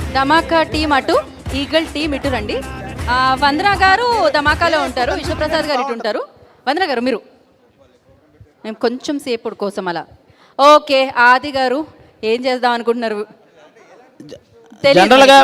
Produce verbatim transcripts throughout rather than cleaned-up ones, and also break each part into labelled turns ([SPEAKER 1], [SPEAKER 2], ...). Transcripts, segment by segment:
[SPEAKER 1] ధమాకా team అటు, Eagle team ఇటు రండి. ఆ, వందన గారు ధమాకాలో ఉంటారు, విశ్వప్రసాద్ గారు ఇటు ఉంటారు. వందన గారు మీరు మేము కొంచెం సేపు కోసం అలా. ఓకే, ఆది గారు ఏం చేద్దాం అనుకుంటున్నారు?
[SPEAKER 2] జనరల్గా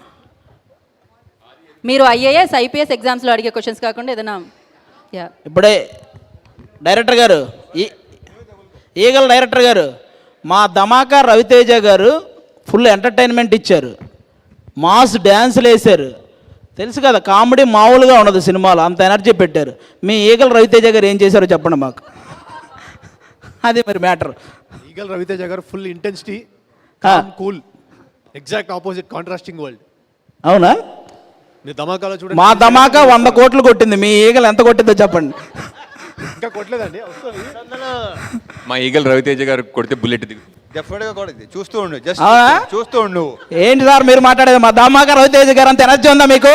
[SPEAKER 1] మీరు ఐఏఎస్ ఐపీఎస్ ఎగ్జామ్స్లో అడిగే క్వశ్చన్స్ కాకుండా ఏదైనా. యా
[SPEAKER 2] ఇప్పుడే డైరెక్టర్ గారు, ఈ ఈగల్ డైరెక్టర్ గారు, మా ధమాకా రవితేజ గారు ఫుల్ ఎంటర్టైన్మెంట్ ఇచ్చారు, మాస్ డ్యాన్సులు వేశారు. తెలుసు కదా, కామెడీ మామూలుగా ఉండదు సినిమాలో, అంత ఎనర్జీ పెట్టారు. మీ ఈగల్ రవితేజ గారు ఏం చేశారో చెప్పండి మాకు. అది మరి matter.
[SPEAKER 3] Eagle Raviteja garu full intensity, cool, exact opposite, contrasting world.
[SPEAKER 2] అవునా?
[SPEAKER 3] మీ ధమాకాలో చూడండి.
[SPEAKER 2] మా ధమాకా వంద కోట్లు కొట్టింది, మీ ఈగల్ ఎంత కొట్టిందో చెప్పండి.
[SPEAKER 3] ఇంకా కొట్టలేదండి.
[SPEAKER 4] మా ఈగల్ రవితేజ గారు కొడితే బుల్లెట్ దిగు.
[SPEAKER 5] డెఫినెట్గా కొడుతుంది. చూస్తూ ఉండు, జస్ట్
[SPEAKER 2] అవునా?
[SPEAKER 5] చూస్తూ ఉండు.
[SPEAKER 2] ఏంటి సార్ మీరు మాట్లాడేది? మా ధమాకా రవితేజ గారు అంత ఎనర్జీ ఉందా మీకు?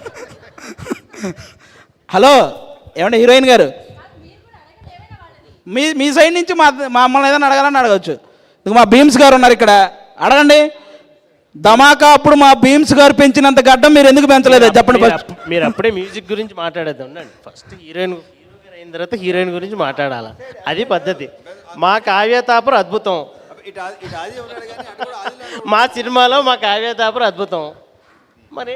[SPEAKER 2] హలో ఏమండి హీరోయిన్ గారు, మీ మీ సైడ్ నుంచి మా మమ్మల్ని ఏదైనా అడగాలని అడగచ్చు. మా భీమ్స్ గారు ఉన్నారు ఇక్కడ, అడగండి. ధమాకా అప్పుడు మా భీమ్స్ గారు పెంచినంత గడ్డం మీరు ఎందుకు పెంచలేదు చెప్పండి.
[SPEAKER 6] మీరు అప్పుడే మ్యూజిక్ గురించి మాట్లాడేది ఉండండి. ఫస్ట్ హీరోయిన్ హీరో అయిన తర్వాత హీరోయిన్ గురించి మాట్లాడాలా, అది పద్ధతి. మా కావ్య తాపర్ అద్భుతం, మా సినిమాలో మా కావ్య తాపర్ అద్భుతం. మరి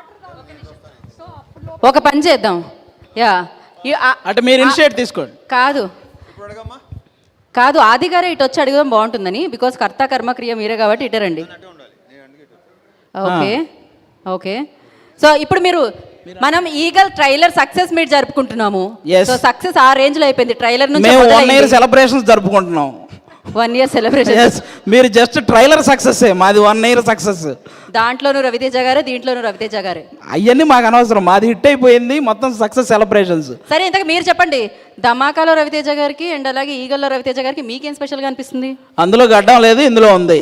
[SPEAKER 1] ఒక పని చేద్దాం. యా
[SPEAKER 2] అంటే మీరు ఇనిషియేట్ తీసుకోండి.
[SPEAKER 1] కాదు కాదు ఆది గారే ఇటు వచ్చి అడగడం బాగుంటుందని, బికాస్ కర్త కర్మక్రియ మీరే కాబట్టి ఇటరండి. Okay okay. సో ఇప్పుడు మీరు మనం ఈగల్ ట్రైలర్ సక్సెస్ మీట్ జరుపుకుంటున్నాము. సో సక్సెస్ ఆ రేంజ్ లో అయిపోయింది. ట్రైలర్ నుంచి
[SPEAKER 2] వన్ ఇయర్ సెలబ్రేషన్స్ జరుపుకుంటున్నాం.
[SPEAKER 1] One year celebration.
[SPEAKER 2] మీరు జస్ట్ ట్రైలర్ సక్సెస్, మాది వన్ ఇయర్ సక్సెస్.
[SPEAKER 1] దాంట్లోనూ రవితేజ గారే, దీంట్లోనూ రవితేజ గారే.
[SPEAKER 2] అవన్నీ మాకు అనవసరం, మాది హిట్ అయిపోయింది మొత్తం సక్సెస్ సెలబ్రేషన్స్.
[SPEAKER 1] సరే ఇంతకు మీరు చెప్పండి, ధమాకాలో రవితేజ గారికి అండ్ అలాగే ఈగల్లో రవితేజ గారికి మీకేం స్పెషల్గా అనిపిస్తుంది?
[SPEAKER 2] అందులో గడ్డం లేదు, ఇందులో ఉంది.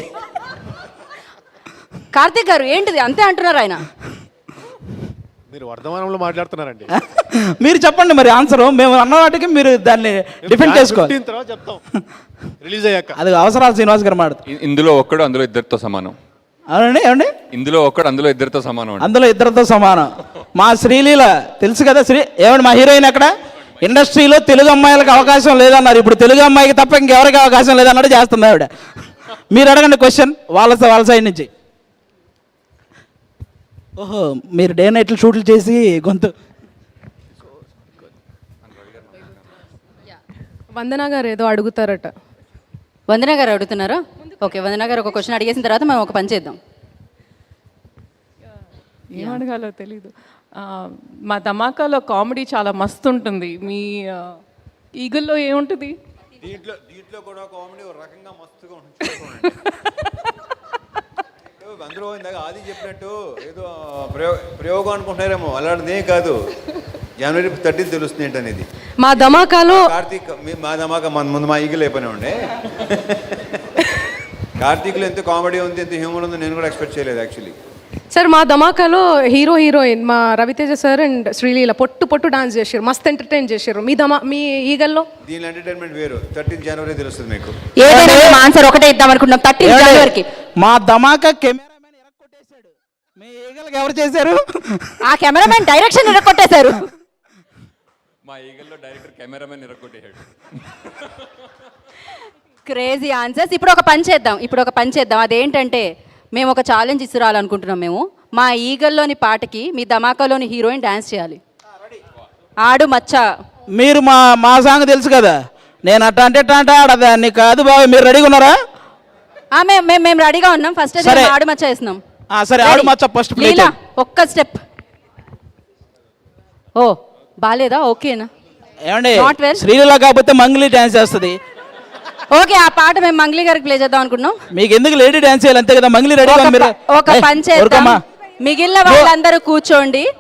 [SPEAKER 1] కార్తీక్ గారు ఏంటిది అంతే అంటున్నారు ఆయన?
[SPEAKER 3] మీరు వర్ధమానంలో మాట్లాడుతున్నారండి.
[SPEAKER 2] మీరు చెప్పండి మరి ఆన్సర్. మేము అన్న వాటికి మీరు దాన్ని డిఫెండ్ చేసుకోవాలి.
[SPEAKER 3] తర్వాత చెప్తాం రిలీజ్ అయ్యాక.
[SPEAKER 2] అది అవసరాలు శ్రీనివాస్ గారు మాట.
[SPEAKER 4] ఇందులో ఒక్కడు అందులో ఇద్దరితో సమానం.
[SPEAKER 2] అవునండి ఏమండి?
[SPEAKER 4] ఇందులో ఒక్కడు అందులో ఇద్దరితో సమానం.
[SPEAKER 2] అందులో ఇద్దరితో సమానం. మా శ్రీలీల తెలుసు కదా, శ్రీ ఏమండి మా హీరోయిన్ అక్కడ ఇండస్ట్రీలో తెలుగు అమ్మాయిలకు అవకాశం లేదన్నారు, ఇప్పుడు తెలుగు అమ్మాయికి తప్ప ఇంకెవరికి అవకాశం లేదన్నట్టు చేస్తుంది ఆవిడ. మీరు అడగండి క్వశ్చన్ వాళ్ళ వాళ్ళ సైడ్ నుంచి. ఓహో, మీరు డే నైట్లు షూట్లు చేసి గొంతు.
[SPEAKER 7] వందన గారు ఏదో అడుగుతారట.
[SPEAKER 1] వందన గారు అడుగుతున్నారా? ఓకే, వందన గారు ఒక క్వశ్చన్ అడిగేసిన తర్వాత మనం ఒక పని చేద్దాం.
[SPEAKER 7] ఏం అడగాలో తెలీదు. మా ధమాకాలో కామెడీ చాలా మస్తు ఉంటుంది. మీ ఈగల్లో ఏముంటుంది?
[SPEAKER 5] దీంట్లో దీంట్లో కూడా కామెడీ ఒక రకంగా మస్తుగా ఉంటుంది. అందరూ ఇందాక ఆది చెప్పినట్టు ఏదో ప్రయోగ ప్రయోగం అనుకుంటున్నారేమో, అలాంటిదే కాదు. జనవరి థర్టీన్ తెలుస్తుంది ఏంటనేది.
[SPEAKER 7] మా ధమాకాలో
[SPEAKER 5] కార్తీక్ మా ధమాకా మన ముందు మా ఈగలు అయిపోయినా ఉండే. కార్తీక్లో ఎంత కామెడీ ఉంది, ఎంత హ్యూమర్ ఉందో నేను కూడా ఎక్స్పెక్ట్ చేయలేదు యాక్చువల్లీ.
[SPEAKER 7] సార్ మా ధమాకాలో హీరో హీరోయిన్ మా రవితేజ సార్ అండ్ శ్రీలీల పొట్టు పొట్టు డాన్స్ చేశారు, మస్త్ ఎంటర్టైన్ చేశారు. మీ ధమా మీ ఈగల్లో
[SPEAKER 5] దీని ఎంటర్టైన్మెంట్ వేరు. థర్టీన్ జనవరి తెలుస్తుంది మీకు.
[SPEAKER 1] ఏదైనా ఆన్సర్ ఒకటే ఇద్దాం అనుకుంటున్నాం. థర్టీన్ జనవరికి
[SPEAKER 2] మా ధమాకా కెమెరామెన్ ఇరక్కొట్టేశాడు. మీ ఈగల్కి ఎవరు చేశారు?
[SPEAKER 1] ఆ కెమెరామెన్ డైరెక్షన్ ఇరక్కొట్టేశారు.
[SPEAKER 4] మా ఈగల్లో డైరెక్టర్ కెమెరామెన్ ఇరక్కొట్టేశాడు.
[SPEAKER 1] Crazy answers. ఇప్పుడు ఒక పని చేద్దాం ఇప్పుడు ఒక పని చేద్దాం అదేంటంటే మేము ఒక ఛాలెంజ్ ఇస్తురాలనుకుంటున్నాం. మేము మా ఈగల్లోని పాటకి మీ ధమాకాలోని హీరోయిన్ డాన్స్ చేయాలి. ఆడు మచ్చ.
[SPEAKER 2] మీరు మా మా సాంగ్ తెలుసు కదా, నేను అట్ట అంటే అంటే ఆడదాన్ని కాదు బాబు. మీరు రెడీగా ఉన్నారా?
[SPEAKER 1] మేము మేము రెడీగా ఉన్నాం. ఫస్ట్ ఆడు మచ్చ వేస్తున్నాం.
[SPEAKER 2] సరే ఆడు మచ్చ ఫస్ట్ ప్లే చేయండి.
[SPEAKER 1] ఒక్క స్టెప్. ఓ బాలేదా? ఓకేనా?
[SPEAKER 2] ఏమండి శ్రీలీల కాకపోతే మంగ్లీ డాన్స్ చేస్తుంది.
[SPEAKER 1] ఓకే, ఆ పాట మేము మంగ్లీ గారికి ప్లే చేద్దాం అనుకుంటున్నాం.
[SPEAKER 2] మీకు ఎందుకు లేడీ డాన్స్ చేయాలి అంతే కదా. మంగ్లీ రెడీ.
[SPEAKER 1] ఒక పని చేద్దాం, మిగిలిన వాళ్ళందరూ కూర్చోండి.